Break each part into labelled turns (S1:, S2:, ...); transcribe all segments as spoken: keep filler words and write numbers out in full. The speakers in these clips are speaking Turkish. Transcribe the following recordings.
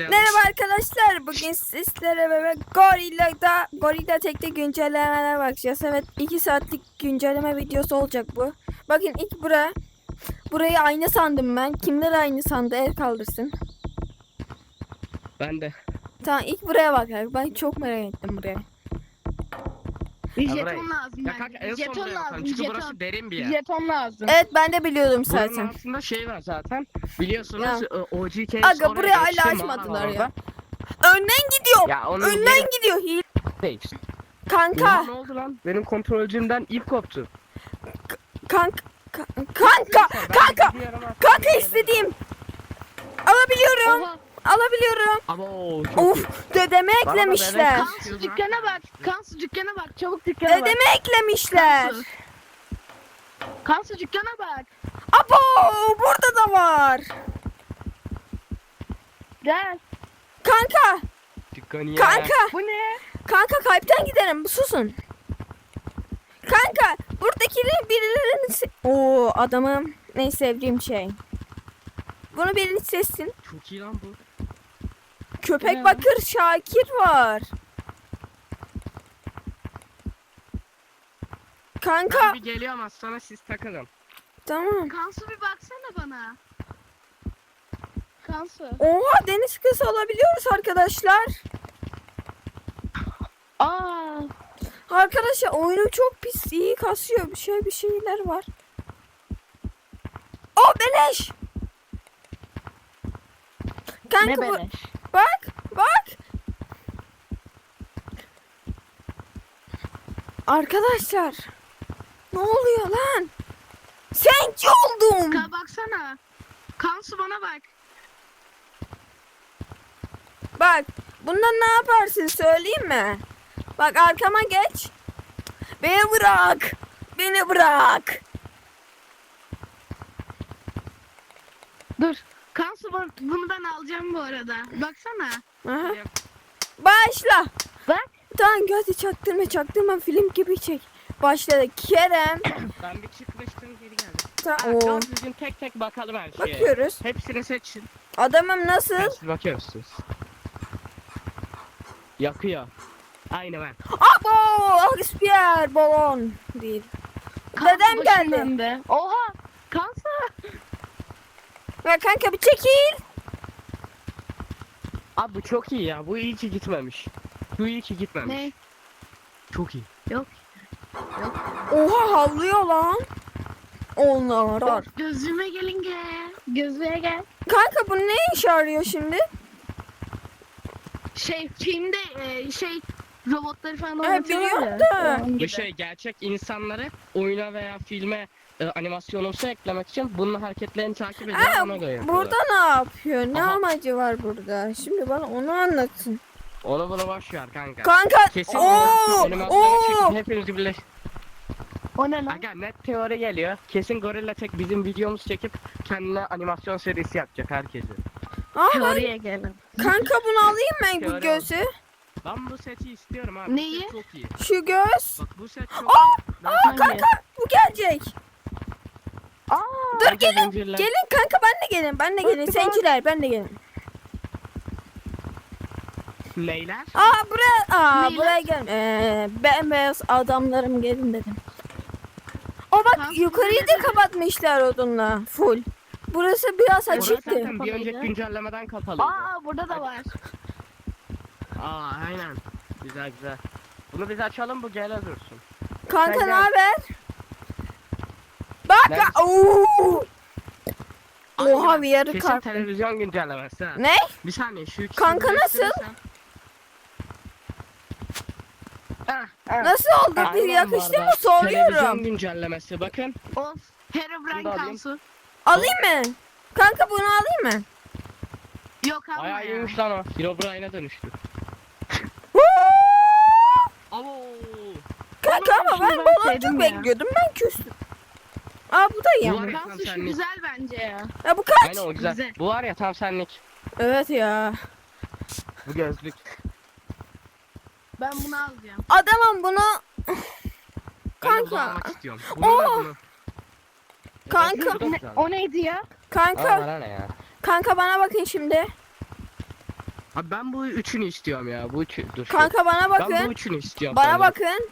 S1: Merhaba arkadaşlar. Bugün sizlere beraber Gorilla'da Gorilla Tek'te güncellemelere bakacağız. Evet, iki saatlik güncelleme videosu olacak bu. Bakın ilk bura. Burayı aynı sandım ben. Kimler aynı sandı? El kaldırsın.
S2: Ben de.
S1: Tamam, ilk buraya bakarak. Ben çok merak ettim buraya.
S3: Bir
S2: Ya
S3: jeton
S2: burayı-
S3: lazım
S2: Ya kanka en
S3: bence.
S2: son
S3: Jeton
S2: buraya bakalım.
S3: lazım.
S2: Çünkü
S3: Jeton.
S2: burası derin bir yer.
S3: Jeton lazım.
S1: Evet, ben de biliyordum
S2: Buranın
S1: zaten.
S2: altında şey var zaten. Biliyorsunuz
S1: Ya.
S2: e, O G K
S1: Aga, buraya hala açmadılar ya. Önden gidiyor.
S2: Ya onun
S1: Önden
S2: yeri
S1: gidiyor. Hil.
S2: değil.
S1: Kanka.
S2: Oha, ne oldu lan? Benim kontrolcümden ip koptu.
S1: Kanka. Kanka.
S2: Ben
S1: Kanka.
S2: gidiyorum artık.
S1: Kanka istediğim. Alabiliyorum.
S3: Oha.
S1: Alabiliyorum.
S2: Ama o çok iyi.
S1: Of, dedeme
S2: Bana da
S1: eklemişler.
S2: bebek-
S3: Kansu dükkana bak. Kansu dükkana bak. Çabuk dükkana bak.
S1: Dedeme eklemişler.
S3: Kansu. Kansu dükkana bak.
S1: Abo, burada da var.
S3: Gel.
S1: Kanka,
S2: Dükkanı ya.
S1: kanka,
S3: Bu ne?
S1: kanka kalpten giderim. Susun. Kanka, buradakilerin birilerinin... se- Oo, adamım. Ne sevdiğim şey. Bunu birini sessin.
S2: Çok iyi lan bu.
S1: Köpek
S3: Ne?
S1: bakır Şakir var. Kanka,
S2: Ben bir geliyorum az sonra siz takılın.
S1: tamam.
S3: Kansu bir baksana bana. Kansu.
S1: Oha, deniz kızı olabiliyoruz arkadaşlar.
S3: Aa.
S1: Arkadaşlar oyunu çok pis, iyi kasıyor. Bir şey bir şeyler var. O beleş. Kanka
S3: Ne
S1: bu,
S3: beleş?
S1: bak bak. Arkadaşlar. Ne oluyor lan? Senci oldum.
S3: Ka baksana. Kansu bana bak.
S1: Bak, bundan ne yaparsın söyleyeyim mi? Bak, arkama geç. Beni bırak. Beni bırak.
S3: Dur. Kansu bak, bunu ben alacağım bu arada. Baksana.
S1: Aha.
S2: Geliyorum.
S1: Başla.
S3: Bak.
S1: Tamam, hadi çaktırma çaktırma, film gibi çek. Başladı. Kerem.
S2: Ben bir çıkmıştım geri geldim.
S1: Ta
S2: Ha,
S1: Oo.
S2: doğru düzgün tek tek bakalım her şeye.
S1: Bakıyoruz.
S2: Hepsini seçin.
S1: Adamım nasıl?
S2: Hepsini bakıyorsunuz. Yakıyor. Aynı ben.
S1: Abo! Aspier balon değil.
S3: Kansu
S1: Dedem
S3: başım
S1: geldi.
S3: döndü. Oha. Kansu.
S1: Ya kanka bir çekil.
S2: Abi bu çok iyi ya. Bu iyi ki gitmemiş. Bu iyi ki gitmemiş.
S3: Ne?
S2: Çok iyi.
S3: Yok.
S1: Oha, havlıyor lan. Onlar var.
S3: Gözüme gelin gel. Gözüme gel.
S1: Kanka bu ne işe yarıyor şimdi?
S3: Şey filmde e, şey robotları falan
S1: Evet,
S3: oynatıyorlar
S1: biliyorum
S3: ya.
S1: da.
S3: Onun
S2: Bu
S3: gibi.
S2: şey gerçek insanları oyuna veya filme e, animasyonumsu eklemek için bunun hareketlerini takip ediyor,
S1: Aa,
S2: ona göre yapıyorlar.
S1: burada ne yapıyor? Ne
S2: Aha.
S1: amacı var burada? Şimdi bana onu anlatın.
S2: Onu bunu boş ver kanka.
S1: Kanka.
S2: Kesin
S1: Oo!
S2: animasyonu
S1: Oo!
S2: çekip hepinizi birleş.
S3: O ne lan?
S2: Aga net teori geliyor. Kesin Gorilla Tek bizim videomuzu çekip kendine animasyon serisi yapacak herkesi.
S1: Ah, ben-
S3: Teoriye gelin.
S1: kanka bunu alayım ben bu
S2: Teori
S1: gözü.
S2: Ben bu seti istiyorum abi.
S3: Neyi?
S2: Bu set çok iyi.
S1: Şu göz.
S2: Bak bu set çok
S1: Aa!
S2: iyi. Ben
S1: Aa, kanka bu gelecek.
S3: Aa.
S1: Dur
S2: Kanka
S1: gelin.
S2: zincirler.
S1: Gelin kanka, ben de gelin. Ben de gelin. Senciler, ben de gelin.
S2: Neyler?
S1: Aa, buraya aa
S3: Neyler?
S1: buraya gel. Ee, bembeyaz adamlarım gelin dedim. O bak,
S3: Kanka,
S1: yukarıyı
S3: ne
S1: da
S3: dedi?
S1: kapatmışlar odunla full. Burası biraz
S2: Orası
S1: açıktı.
S2: zaten bir önceki güncellemeden kapalıydı.
S3: Aa burada da var.
S2: Aa aynen. Güzel güzel. Bunu biz açalım, bu gele dursun.
S1: Kanka
S2: Sen
S1: ne
S2: gel.
S1: haber? Bak
S2: Nerede?
S1: ooo. Oha,
S2: Aynen.
S1: bir yarı
S2: Kesin
S1: kart.
S2: televizyon güncellemesi ha.
S1: Ne?
S2: Bir saniye şu ikisini
S1: Kanka, nasıl?
S2: birleştirirsen- Ah, ah.
S1: Nasıl oldu? Bir
S2: Aynen
S1: yakıştı
S2: bu
S1: mı?
S2: arada. Televizyon
S1: Soruyorum.
S2: güncellemesi bakın.
S3: Of.
S2: Bunu
S3: Herobrine
S2: da alayım.
S3: Kansu.
S1: Alayım mı? Kanka bunu alayım mı?
S3: Yok alma
S2: Bayağı
S3: ya.
S2: iyiymiş lan o. Herobrine'e dönüştü.
S1: Huu!
S2: Abo.
S1: Kanka ama
S3: şunu
S1: ben
S3: ben
S1: baloncuk
S3: sevdim ya.
S1: bekliyordum. Ben küstüm. Aa, bu da iyi
S2: Bu
S1: ama.
S2: var ya,
S3: Kansu şu
S2: senlik.
S3: güzel bence ya.
S1: Ya bu kaç?
S2: Aynen o güzel.
S3: Güzel.
S2: Bu var ya tam senlik.
S1: Evet ya.
S2: Bu gözlük.
S3: Ben bunu alacağım.
S1: Adamım bunu.
S2: Ben de
S1: Kanka.
S2: bunu almak istiyorum. Bunu da
S1: Oo.
S2: bunu.
S1: Kanka.
S2: Evet, bu da
S3: Ne,
S2: güzel.
S3: o neydi ya?
S1: Kanka.
S2: Aa, bana ne ya?
S1: Kanka bana bakın şimdi.
S2: Abi ben bu üçünü istiyorum ya. Bu üçü. Dur. şu-
S1: Kanka bana
S2: Ben bu
S1: bakın.
S2: üçünü istiyorum.
S1: Bana
S2: senden.
S1: bakın.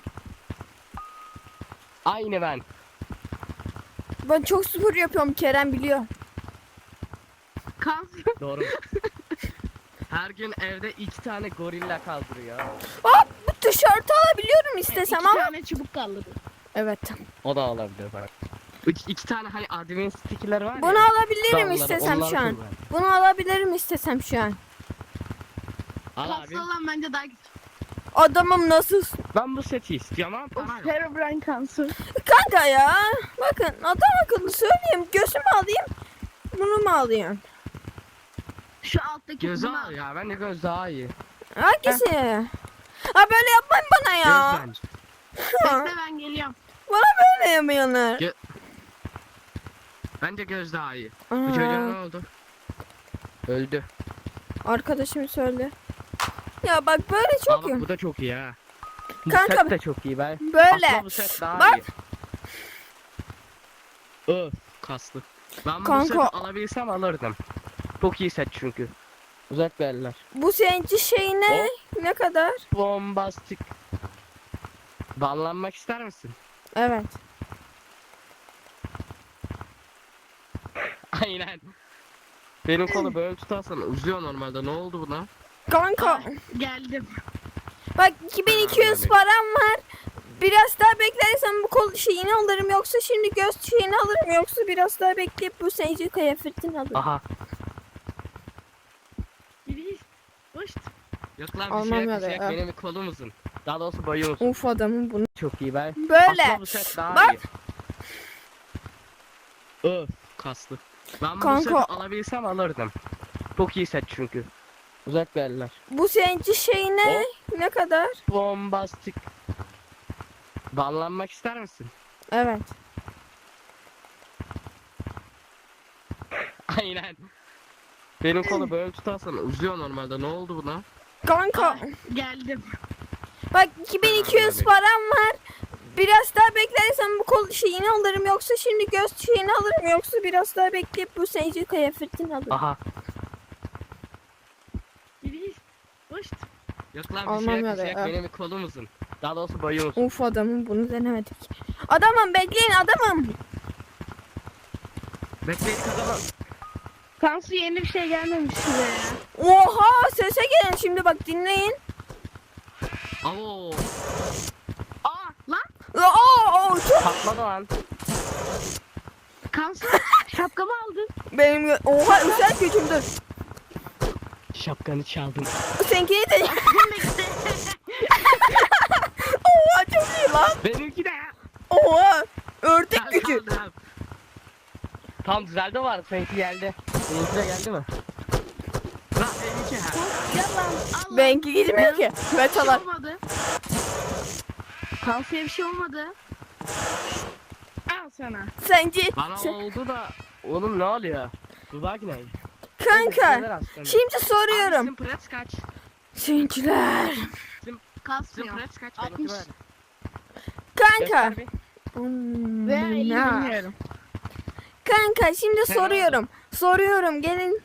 S2: Aynı ben.
S1: Ben çok spor yapıyorum, Kerem biliyor.
S3: Kansu.
S2: Doğru. Her gün evde iki tane gorilla kaldırıyor.
S1: Hop, bu tişörtü alabiliyorum istesem
S3: İki
S1: ama.
S3: tane çubuk kaldı.
S1: Evet.
S2: O da olabilir bak. İki, iki tane hani admin sticker'ları var
S1: Bunu
S2: ya.
S1: alabilirim
S2: Dalları,
S1: istesem
S2: onları
S1: şu an.
S2: kullan.
S1: Bunu alabilirim istesem şu an.
S2: Al abi.
S3: Kansu olan bence daha güzel.
S1: Adamım nasıl?
S2: Ben bu seti istiyorum ama para
S3: Of,
S2: yok.
S3: Herobrine Kansu.
S1: Kanka ya. Bakın adam akıllı söyleyeyim. Gözümü alayım. Bunu mu alayım?
S3: Şu alttaki
S2: Gözü
S3: bunu
S2: al ya. Bence göz daha iyi.
S1: Hangisi? Ha böyle yapmayın bana ya.
S2: Göz bence.
S1: Ha,
S3: Bekle ben geliyorum.
S1: bana böyle yapıyorlar.
S2: Gö- Bence göz daha iyi. Bu
S1: Aa,
S2: çocuğa ne oldu? Öldü.
S1: arkadaşım söyle. Ya bak böyle
S2: Aa,
S1: çok
S2: bak,
S1: iyi.
S2: bu da çok iyi ha. Bu
S1: Kanka,
S2: set de çok iyi ben.
S1: Böyle.
S2: Aslında bu set daha
S1: Bak.
S2: iyi. Öf kaslı. Ben bu
S1: Kanka.
S2: seti alabilsem alırdım. Çok iyi set çünkü. Uzak verler.
S1: Bu seninki şey ne? Ne kadar?
S2: Bombastik. Banlanmak ister misin?
S1: Evet.
S2: Aynen. Benim kolu böyle tutarsan uzuyor normalde. Ne oldu buna?
S1: Kanka.
S3: Ah, geldim.
S1: Bak iki bin iki yüz
S2: Anladım.
S1: param var. Biraz daha beklersem bu kol şeyini alırım, yoksa şimdi göz şeyini alırım, yoksa biraz daha bekleyip bu seninki kıyafetini alırım.
S2: Aha.
S3: Biri hoş.
S2: Yok lan bir
S1: Almam
S2: şey yok,
S1: ya
S2: bir şey
S1: da
S2: yok.
S1: ya.
S2: Benim bir kolum uzun. Daha doğrusu boyum uzun.
S1: Uf adamın bunu.
S2: Çok iyi ben.
S1: Böyle.
S2: Aslında bu set daha
S1: Bak.
S2: iyi. Öf kaslı. Ben bu
S1: Kanka.
S2: seti alabilsem alırdım. Çok iyi set çünkü. Uzak verler.
S1: Bu seninki şey ne? Ne kadar?
S2: Bombastik. Banlanmak ister misin?
S1: Evet.
S2: Aynen. Benim kolu böyle tutarsan uzuyor normalde. Ne oldu buna?
S1: Kanka.
S3: Ah, geldim.
S1: Bak iki bin iki yüz
S2: Anladım.
S1: param var. Biraz daha beklersem bu kol şeyini alırım, yoksa şimdi göz şeyini alırım, yoksa biraz daha bekleyip bu seninki kıyafetini alırım.
S2: Aha.
S3: Biri hoş.
S2: Yok lan bir
S1: Almam
S2: şey yok,
S1: ya
S2: bir
S1: da
S2: şey yok.
S1: ya.
S2: Benim bir kolum uzun. Daha doğrusu boyum uzun.
S1: Uf adamın bunu denemedik. Adamım bekleyin adamım.
S2: Bekleyin kazanın.
S3: Kansu yeni bir şey gelmemiş size ya.
S1: Oha sese gelin şimdi, bak dinleyin.
S2: Oo.
S3: Aa lan.
S1: Aa, çok
S2: Patladı lan.
S3: Kansu şapkamı aldın.
S1: benim gö- oha özel gücümdür.
S2: Şapkanı çaldım.
S1: Seninkini de oha çok iyi lan.
S2: Benimki de.
S1: Oha ördek
S2: Ben
S1: gücü.
S2: kaldım. Tam düzeldi var. Seninki geldi. Seninki de geldi mi? Lan benimki ha.
S3: Yalan. Allah.
S1: Benimki gitmiyor ki.
S3: Bir
S1: Metalar.
S3: şey olmadı. Kansu'ya bir şey olmadı. Al sana.
S1: Sence
S2: Bana
S1: sen-
S2: oldu da. Oğlum ne oluyor? Dudak ne?
S1: kanka şimdi soruyorum.
S2: Bizim press kaç?
S1: Seninkiler.
S2: Bizim
S3: Kasmıyor.
S2: press kaç?
S3: altmış.
S2: Benimki var.
S1: Kanka.
S2: Göster bir.
S1: Hmm,
S3: Veya elli
S1: ya.
S3: bilmiyorum.
S1: Kanka şimdi
S2: Sen
S1: soruyorum. Soruyorum gelin.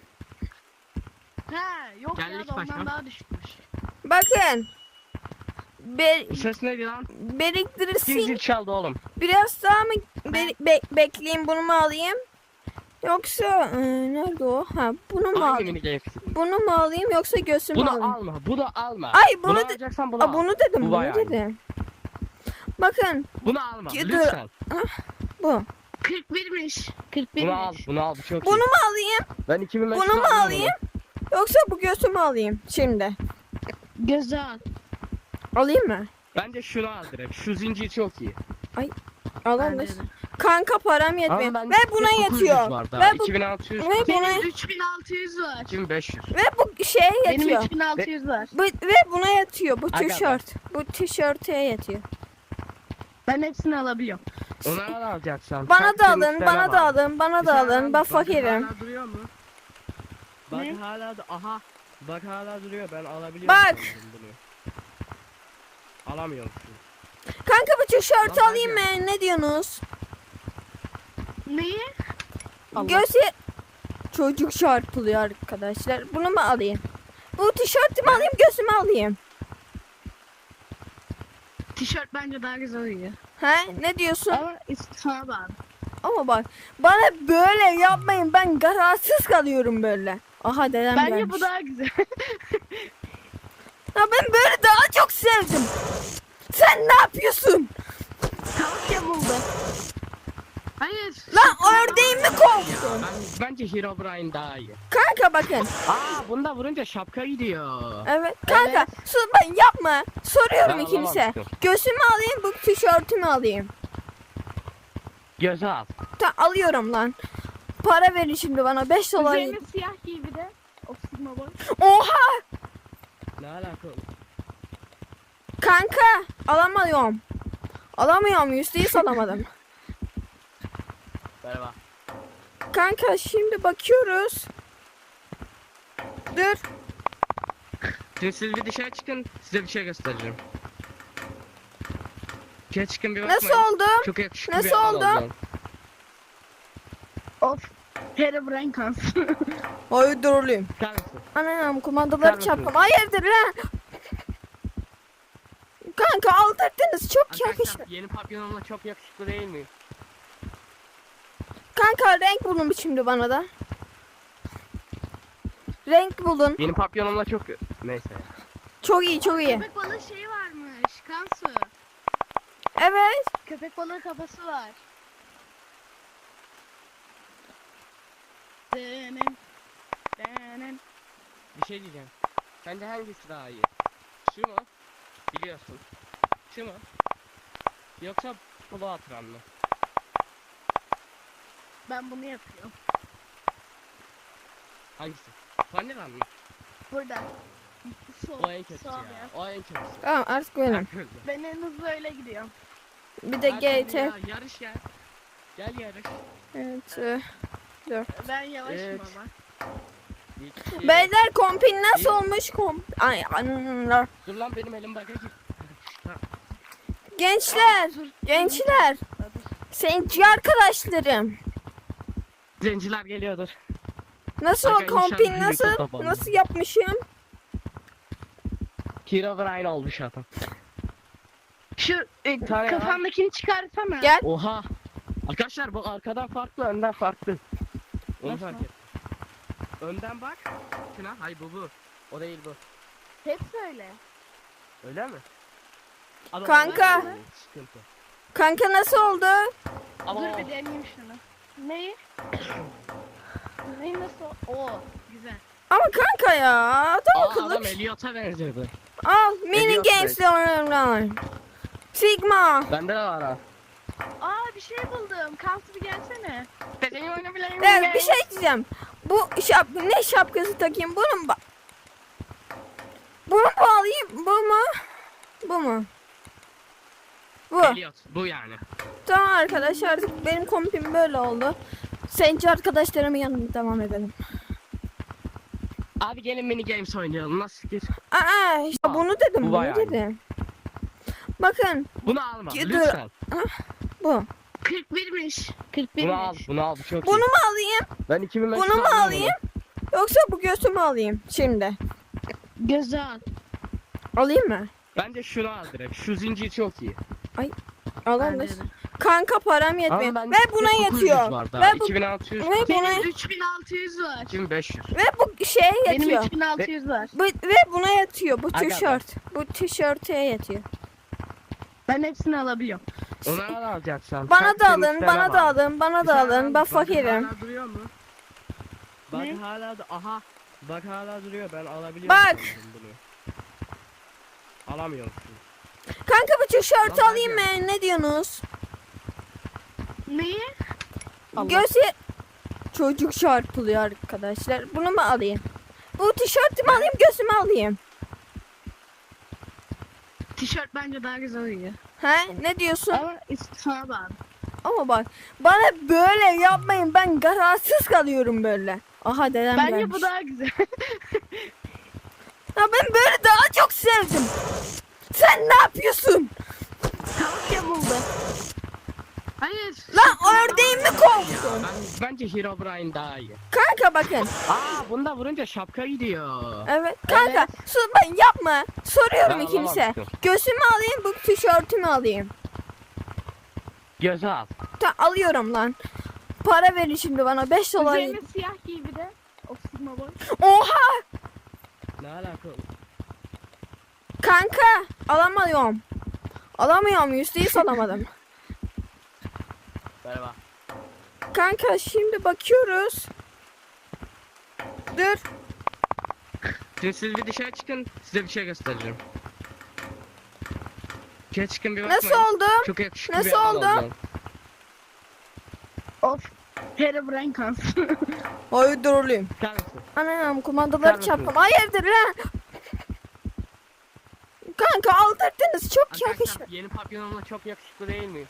S3: He yok
S2: Gel
S3: ya
S2: ilk
S3: da ondan
S2: başla.
S3: daha düşükmüş.
S1: Bakın. Be
S2: Bu ses neydi lan? Kim
S1: biriktirirsin.
S2: zil çaldı oğlum?
S1: Biraz daha mı be- be- bekleyeyim, bunu mu alayım? Yoksa e, nerede o? Ha bunu mu
S2: Hangi
S1: alayım?
S2: mini game?
S1: Bunu mu alayım yoksa göğsümü
S2: Bunu
S1: alayım?
S2: alma. Bunu alma.
S1: Ay, bunu
S2: bunu
S1: de-
S2: alacaksan bunu
S1: Aa,
S2: al.
S1: bunu dedim,
S2: Bu
S1: bunu
S2: bayağı iyi.
S1: dedim. Bakın
S2: Bunu alma.
S1: Dur.
S2: Lütfen.
S1: bu.
S3: kırk birmiş. kırk
S2: Bunu al.
S3: birmiş.
S2: Bunu al. Bu çok
S1: Bunu
S2: iyi.
S1: mu alayım?
S2: Ben iki bin beş yüz
S1: Bunu mu
S2: aldım
S1: alayım? Yoksa bu göğsümü alayım şimdi.
S3: Göze al.
S1: Alayım mı?
S2: Bence şunu al direkt. Şu zincir çok iyi.
S1: Alalım.
S3: Bence de.
S1: Kanka param yetmiyor.
S2: Ama ben
S1: Ve buna
S2: dokuz yüz
S1: yetiyor.
S2: var daha.
S1: Ve bu
S2: iki bin altı yüz.
S1: ve buna
S3: Benim üç bin altı yüz var.
S2: iki bin beş yüz.
S1: ve bu şeye
S3: Benim
S1: yetiyor.
S3: üç bin altı yüz var.
S1: Bu, ve buna yatıyor bu
S2: Aga be.
S1: tişört. Bu tişörte yatıyor.
S3: Ben hepsini alabiliyorum.
S2: Onu al alacaksan.
S1: Bana
S2: Kaç
S1: da
S2: bin
S1: alın,
S2: üstüne
S1: bana da
S2: var.
S1: alın, bana
S2: Bir
S1: da
S2: tane
S1: alın.
S2: al,
S1: Ben
S2: bak
S1: fakirim.
S2: Hala duruyor mu? Bak
S3: Ne?
S2: hala da aha. Bak hala duruyor. Ben alabiliyorum.
S1: Bak.
S2: sanırım bunu. Alamıyorum. şimdi.
S1: Kanka bu tişörtü
S2: Lan
S1: alayım
S2: bence-
S1: mı? Ne diyorsunuz?
S3: Neyi?
S2: Allah.
S1: Göğsü çocuk çarpılıyor arkadaşlar. Bunu mu alayım? Bu tişörtümü alayım, gözümü alayım.
S3: Tişört bence daha güzel uyuyor.
S1: He, ne diyorsun?
S3: Ama sana bağlı.
S1: Ama bak, bana böyle yapmayın, ben kararsız kalıyorum böyle. Aha dedem
S3: Bence
S1: gelmiş.
S3: bu daha güzel.
S1: Ya ben böyle daha çok sevdim. Sen ne yapıyorsun?
S3: Tavuk yamuldu. Hayır.
S1: Lan ördeğimi kovdun.
S2: Ben, bence Herobrine daha iyi.
S1: Kanka bakın.
S2: Aa bunda vurunca şapka gidiyor.
S1: Evet kanka.
S3: Evet.
S1: Sus ben yapma. Soruyorum
S2: Ben
S1: ikinize.
S2: anlamamıştım.
S1: Gözümü alayım, bu tişörtümü alayım.
S2: Göze al.
S1: Ta alıyorum lan. Para verin şimdi bana beş dolar.
S3: Üzerine siyah giy bir de. O sigma boy.
S1: Oha!
S2: Ne alaka?
S1: Kanka alamıyorum. Alamıyorum, yüzde yüz alamadım.
S2: Merhaba.
S1: Kanka şimdi bakıyoruz. Dur.
S2: Şimdi siz bir dışarı çıkın, size bir şey göstereceğim. Dışarı çıkın bir
S1: Nasıl
S2: bakmayın.
S1: oldu?
S2: Çok yakışıklı
S1: Nasıl
S2: bir adam
S1: oldu?
S2: olacağım.
S3: Of. Herobrine kansın.
S1: Hayır duruluyum.
S2: Çıkar mısın?
S1: Anam kumandaları
S2: Çıkar
S1: çarptım.
S2: mısın?
S1: Hayırdır lan? Kanka aldırdınız, çok yakışıklı.
S2: Arkadaşlar yeni papyonumla çok yakışıklı değil miyim?
S1: Kanka renk bulun şimdi bana da. Renk bulun.
S2: Yeni papyonumla çok... Neyse.
S1: Çok iyi, çok iyi.
S3: Köpek balığı şeyi varmış. Kansu.
S1: Evet.
S3: Köpek balığı kafası var. Denem. Denem.
S2: Bir şey diyeceğim. Sence hangisi daha iyi? Şu mu? Biliyorsun. Şu mu? Yoksa polo atıran mı?
S3: Ben bunu yapıyorum.
S2: Hangisi? Vanilla mı?
S3: Burada. Sol,
S2: O en kötüsü
S3: sol
S2: ya.
S3: ya.
S2: O en kötüsü.
S1: Tamam artık benim.
S2: Herkes.
S3: Ben en hızlı öyle gidiyorum.
S1: Bir de G T.
S2: Ya, yarış gel. Gel yarış.
S1: Evet. e,
S3: Ben yavaşım
S2: Evet.
S3: ama.
S2: İki.
S1: Beyler kompin nasıl
S2: İyi.
S1: olmuş komp? Ay anlar.
S2: Dur lan benim elim baga git.
S1: Gençler,
S3: Dur.
S1: gençler. Seninci arkadaşlarım.
S2: Zenciler geliyordur.
S1: Nasıl
S2: Aga,
S1: o kompin
S2: inşallah
S1: nasıl?
S2: YouTube'da bana.
S1: Nasıl yapmışım?
S2: Herobrine olmuş adam.
S3: Şu e,
S2: tane var.
S3: kafandakini çıkarsana.
S1: Gel.
S2: Oha. Arkadaşlar bu arkadan farklı, önden farklı. Onu
S3: Nasıl?
S2: fark et. Önden bak. Şuna, hay bu bu. O değil bu.
S3: Hepsi öyle.
S2: Öyle mi? Ama
S1: Kanka.
S2: o- Sıkıntı.
S1: Kanka nasıl oldu?
S2: Ama
S3: Dur
S2: o-
S3: bir deneyeyim şunu. Neyi? Neyi nasıl? Oo güzel.
S1: Ama kanka ya, adam
S2: Aa,
S1: akıllı.
S2: adam Elliot'a benziyordu.
S1: Al mini
S2: Eliot
S1: games'le oynayalım. Sigma.
S2: Bende de var ha.
S3: Aa bir şey buldum. Kansu bir gelsene.
S2: Benim oynayabileyim.
S1: Evet, bir şey diyeceğim. Bu şap ne şapkası takayım? Bunu mu? ba- Bunu mu alayım? Bu mu? Bu mu? Bu.
S2: Elliot, bu yani.
S1: Tamam arkadaşlar, artık benim kompim böyle oldu. Seninci arkadaşlarımın yanına devam edelim.
S2: Abi gelin mini games oynayalım. Nasıl fikir?
S1: Aa işte bunu dedim,
S2: Bu
S1: bunu
S2: bayağı iyi.
S1: dedim. Bakın
S2: Bunu alma
S1: Dur.
S2: lütfen.
S1: bu.
S3: kırk birmiş. kırk
S2: Bunu al,
S3: birmiş.
S2: bunu al. Bu çok
S1: Bunu
S2: iyi.
S1: mu alayım?
S2: Ben iki bin beş yüz
S1: Bunu mu
S2: aldım
S1: alayım? Yoksa bu göğsümü alayım şimdi.
S3: Göze al.
S1: Alayım mı?
S2: Bence şunu al direkt. Şu zincir çok iyi.
S1: Alalım.
S3: Bence de.
S1: Kanka param yetmiyor.
S2: Ama ben
S1: Ve buna
S2: dokuz yüz
S1: yetiyor.
S2: var daha.
S1: Ve bu
S2: iki bin altı yüz.
S1: ve buna
S3: Benim üç bin altı yüz var.
S2: iki bin beş yüz.
S1: ve bu şeye
S3: Benim
S1: yetiyor.
S3: üç bin altı yüz var.
S1: Bu, ve buna yetiyor bu
S2: Aga be.
S1: tişört. Bu tişörte yetiyor.
S3: Ben hepsini alabiliyorum.
S2: Onu al alacaksan.
S1: Bana
S2: Sen
S1: da
S2: senin
S1: alın,
S2: isteğine
S1: bana da
S2: bağlı.
S1: alın, bana
S2: Bir
S1: da
S2: tane
S1: alın.
S2: al,
S1: Ben
S2: bak
S1: fakirim.
S2: Hala duruyor mu? Bak
S3: Ne?
S2: hala da aha. Bak hala duruyor. Ben alabiliyorum.
S1: Bak.
S2: sanırım bunu. Alamıyorum. şimdi.
S1: Kanka bu tişörtü
S2: Lan
S1: alayım
S2: hadi.
S1: mı? Ne diyorsunuz?
S3: Neyi?
S2: Allah.
S1: Göğsü çocuk çarpılıyor arkadaşlar. Bunu mu alayım? Bu tişörtümü alayım, göğsümü alayım.
S3: Tişört bence daha güzel uyuyor.
S1: He? Ne diyorsun?
S3: Ama sana bağlı.
S1: Ama bak, bana böyle yapmayın. Ben kararsız kalıyorum böyle. Aha dedem
S3: Bence
S1: gelmiş.
S3: bu daha güzel.
S1: Ya ben böyle daha çok sevdim. Sen ne yapıyorsun?
S3: Tavuk yamuldu. Hayır Polis.
S1: Lan ördeğimi kovdun.
S2: Ben, bence Herobrine daha iyi.
S1: Kanka bakın.
S2: Aa bunda vurunca şapka gidiyor.
S1: Evet kanka. Sus ben yapma. Soruyorum
S2: Ben
S1: ikinize.
S2: anlamamıştım.
S1: Gözümü alayım bu tişörtümü alayım.
S2: Göze al.
S1: Ta alıyorum lan. Para verin şimdi bana beş dolar.
S3: Üzerine siyah giy bir de. O sigma boy.
S1: Oha!
S2: Ne alaka?
S1: Kanka alamıyorum. Alamıyorum yüzde yüz alamadım.
S2: Merhaba.
S1: Kanka şimdi bakıyoruz. Dur.
S2: Şimdi siz bir dışarı çıkın, size bir şey göstereceğim. Dışarı çıkın bir
S1: Nasıl
S2: bakmayın.
S1: oldu?
S2: Çok yakışıklı
S1: Nasıl
S2: bir adam
S1: oldu?
S2: olacağım.
S3: Of. Herobrine kansın.
S1: Hayır duruluyum.
S2: Çıkar mısın?
S1: Anam kumandaları
S2: Çıkar
S1: çarptım.
S2: mısın?
S1: Hayırdır lan? Kanka aldırdınız çok
S2: Arkadaşlar
S1: yakışıklı.
S2: yeni papyonumla çok yakışıklı değil miyim?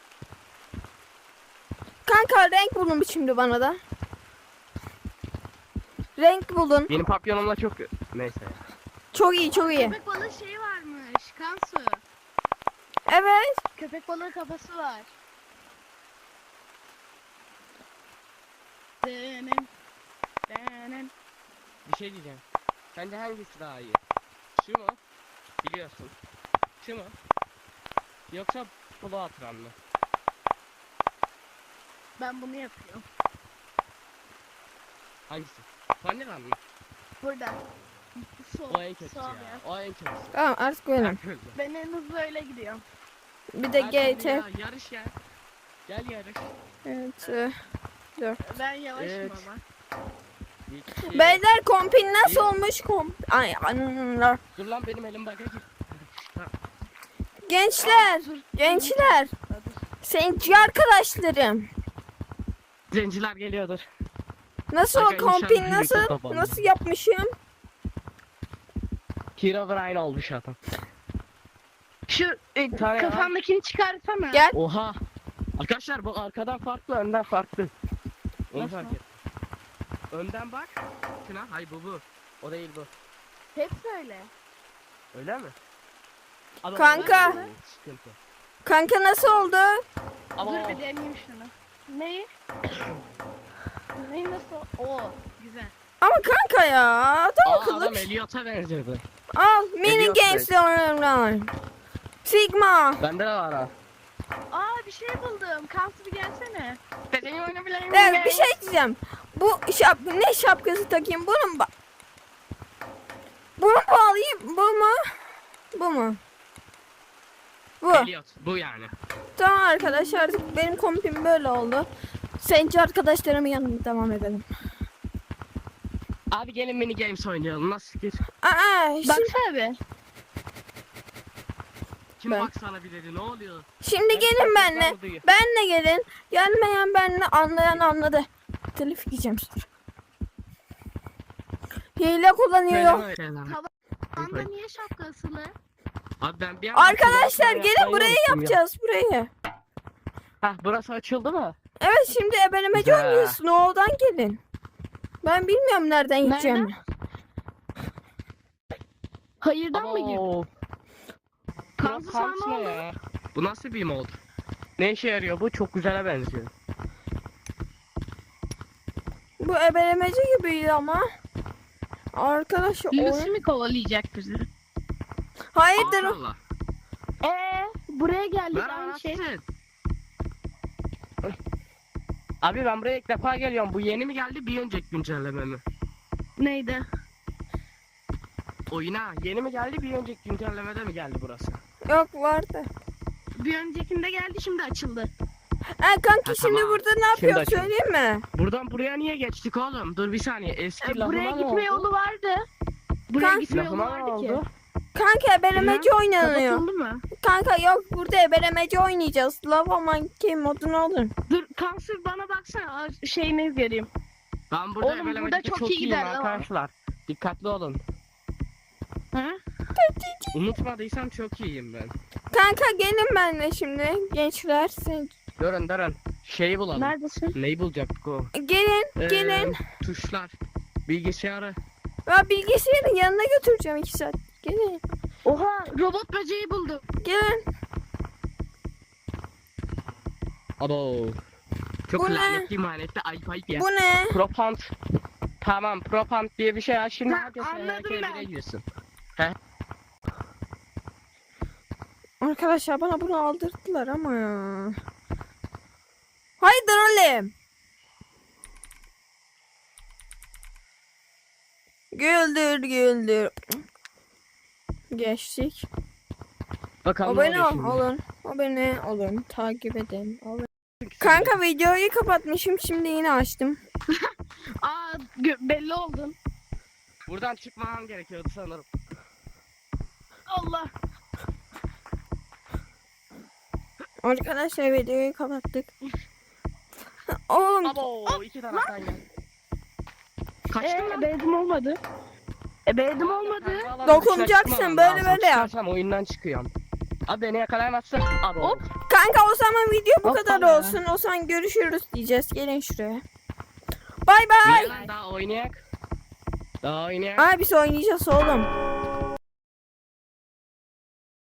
S1: Kanka renk bulun şimdi bana da. Renk bulun.
S2: Yeni papyonumla çok... Neyse.
S1: Çok iyi çok iyi.
S3: Köpek balığı şeyi varmış. Kansu.
S1: Evet.
S3: Köpek balığı kafası var. Denem. Denem.
S2: Bir şey diyeceğim. Sence hangisi daha iyi? Şu mu? Biliyorsun. Şu mu? Yoksa polo atıran mı?
S3: Ben bunu yapıyorum.
S2: Hangisi? Vanilla mı?
S3: Burada. Sol.
S2: O en kötüsü
S3: sol
S2: ya.
S3: ya.
S2: O en kötüsü.
S1: Tamam artık benim.
S2: Herkes.
S3: Ben en hızlı öyle gidiyorum.
S1: Bir de G
S2: Herkes
S1: T.
S2: ya, Yarış ya. Gel yarış.
S1: Evet. e,
S3: Ben yavaşım
S2: Evet.
S3: ama.
S2: İki.
S1: Beyler kompin nasıl
S2: İyi.
S1: olmuş komp? Ay anlar.
S2: Dur lan benim elim bagaj.
S1: Gençler, gençler. Seninci arkadaşlarım.
S2: Zenciler geliyordur.
S1: Nasıl o
S2: Aga,
S1: kompin
S2: inşallah
S1: nasıl?
S2: büyük otoban.
S1: Nasıl yapmışım?
S2: Herobrine olmuş adam.
S3: Şu e,
S2: tane ya.
S3: kafandakini çıkarsana.
S1: Gel.
S2: Oha. Arkadaşlar bu arkadan farklı, önden farklı. Onu
S3: Nasıl?
S2: fark et. Önden bak. Şuna. Hayır bu bu. O değil bu.
S3: Hepsi öyle.
S2: Öyle mi? Ama
S1: Kanka.
S2: o- Sıkıntı.
S1: Kanka nasıl oldu?
S2: Ama
S3: Dur
S2: o-
S3: bir deneyeyim şunu. Neyi? Neyi nasıl? Oo güzel.
S1: Ama kanka ya adam
S2: Aa,
S1: akıllı.
S2: adam Elliot'a benziyordu.
S1: Al mini
S2: Eliot
S1: games oynuyorum. Sigma.
S2: Bende de var ha.
S3: Aa bir şey buldum. Kansu bir gelsene.
S2: Dediğim oynayabileyim.
S1: Evet bir şey diyeceğim. Bu şap ne şapkası takayım bunu mu? ba- Bunu mu alayım? Bu mu? Bu mu? Bu.
S2: Elliot bu yani.
S1: Tamam arkadaşlar artık benim kompim böyle oldu. Sence arkadaşlarımın yanına devam edelim.
S2: Abi gelin mini games oynayalım. Nasıl fikir?
S1: Aa, şimdi,
S3: Baksana be.
S2: Kim
S1: Ben.
S2: baksana bir dedi ne oluyor?
S1: şimdi
S2: Ben
S1: gelin
S2: çok
S1: benle.
S2: güzel duyuyor.
S1: Benle gelin. Gelmeyen benle, anlayan anladı. Telif yiyeceğim sonra. Hile kullanıyor.
S2: Söyleme öyle lan.
S3: Anda niye şapka asılı?
S2: Abi ben bir anda
S1: Arkadaşlar
S2: kulağımı
S1: gelin
S2: yapmayı
S1: burayı
S2: unuttum ya.
S1: yapacağız burayı.
S2: Hah burası açıldı mı?
S1: Evet şimdi ebelemeci
S2: Güzel.
S1: oynuyoruz. Snow'dan gelin. Ben bilmiyorum nereden gideceğim.
S3: Hayırdan mı girdin?
S2: Oo.
S3: Kansu
S2: Burası
S3: sana
S2: Hans
S3: ne
S2: ne
S3: oldu?
S2: ya? Bu nasıl bir mod? Ne işe yarıyor bu? Çok güzele benziyor.
S1: Bu ebelemeci gibiydi ama. Arkadaşlar
S3: Lucy
S1: oyun...
S3: mi kovalayacak bizi?
S1: Hayırdır?
S2: Allah.
S3: Eee buraya geldik
S2: Ver
S3: aynı şey.
S2: anasını. Abi ben buraya ilk defa geliyorum. Bu yeni mi geldi bir önceki güncelleme mi?
S3: Neydi?
S2: Oyuna yeni mi geldi bir önceki güncellemede mi geldi burası?
S1: Yok vardı.
S3: Bir öncekinde geldi şimdi açıldı.
S1: Ha kanki
S2: Ha,
S1: şimdi
S2: tamam.
S1: burada ne
S2: Şimdi
S1: yapıyor
S2: açalım.
S1: söyleyeyim mi?
S2: Buradan buraya niye geçtik oğlum? Dur bir saniye. Eski
S3: E,
S2: lafıma
S3: buraya
S2: ne
S3: gitme
S2: oldu?
S3: yolu vardı. Buraya
S1: Kanka-
S3: gitme yolu
S2: Lafıma ne
S3: vardı ki.
S2: oldu?
S1: Kanka ebelemeci oynanıyor.
S3: Kapatıldı mı?
S1: Kanka yok burada ebelemeci oynayacağız. Lava Monkey modunu alın.
S3: Dur Kansu bana baksana aa, şeyini göreyim.
S2: Ben burada
S3: Oğlum, burada
S2: ebelemecide
S3: çok
S2: çok,
S3: iyi
S2: iyiyim
S3: gider lan.
S2: arkadaşlar. Dikkatli olun.
S3: Ha?
S2: Unutmadıysam çok iyiyim ben.
S1: Kanka gelin benimle şimdi gençler. Sen...
S2: Durun durun. Şeyi bulalım.
S3: Neredesin?
S2: Neyi bulacaktık o?
S1: Gelin
S2: Ee,
S1: gelin.
S2: Tuşlar. Bilgisayarı.
S1: Ben bilgisayarın yanına götüreceğim iki saat. Gelin.
S3: Oha robot böceği buldum.
S1: Gelin.
S2: Abo. Çok
S1: Bu ne?
S2: lanetli manetli ayıp ayıp ya.
S1: Bu ne?
S2: Propant. Tamam propant diye bir şey var. Şimdi
S3: Ha,
S2: herkes
S3: anladım
S2: herkes
S3: ben.
S2: bile girsin.
S1: Arkadaşlar bana bunu aldırdılar ama ya. Haydi oğlum. Güldür güldür. Geçtik.
S2: Bakalım ne
S1: Abone
S2: oluyor
S1: ol,
S2: şimdi.
S1: olun. Abone olun. Takip edin. Olun. Kanka videoyu kapatmışım. Şimdi yine açtım.
S3: Aa gö- belli oldun.
S2: Buradan çıkmam gerekiyordu sanırım.
S3: Allah.
S1: Arkadaşlar videoyu kapattık. Oğlum
S2: Abo iki taraftan gel. Kaçtın
S3: Ee,
S2: lan.
S3: ebeydim olmadı. Ebeydim olmadı.
S1: Dokunacaksın, böyle böyle yap.
S2: Çıkarsam oyundan çıkıyorum. Abi beni yakalayamazsın. Abo.
S3: Hop.
S1: kanka o zaman video bu
S3: Hoppala.
S1: kadar olsun. O zaman görüşürüz diyeceğiz. Gelin şuraya. Bay bay.
S2: Niye lan daha oynayak? Daha oynayak.
S1: Abi biz oynayacağız oğlum.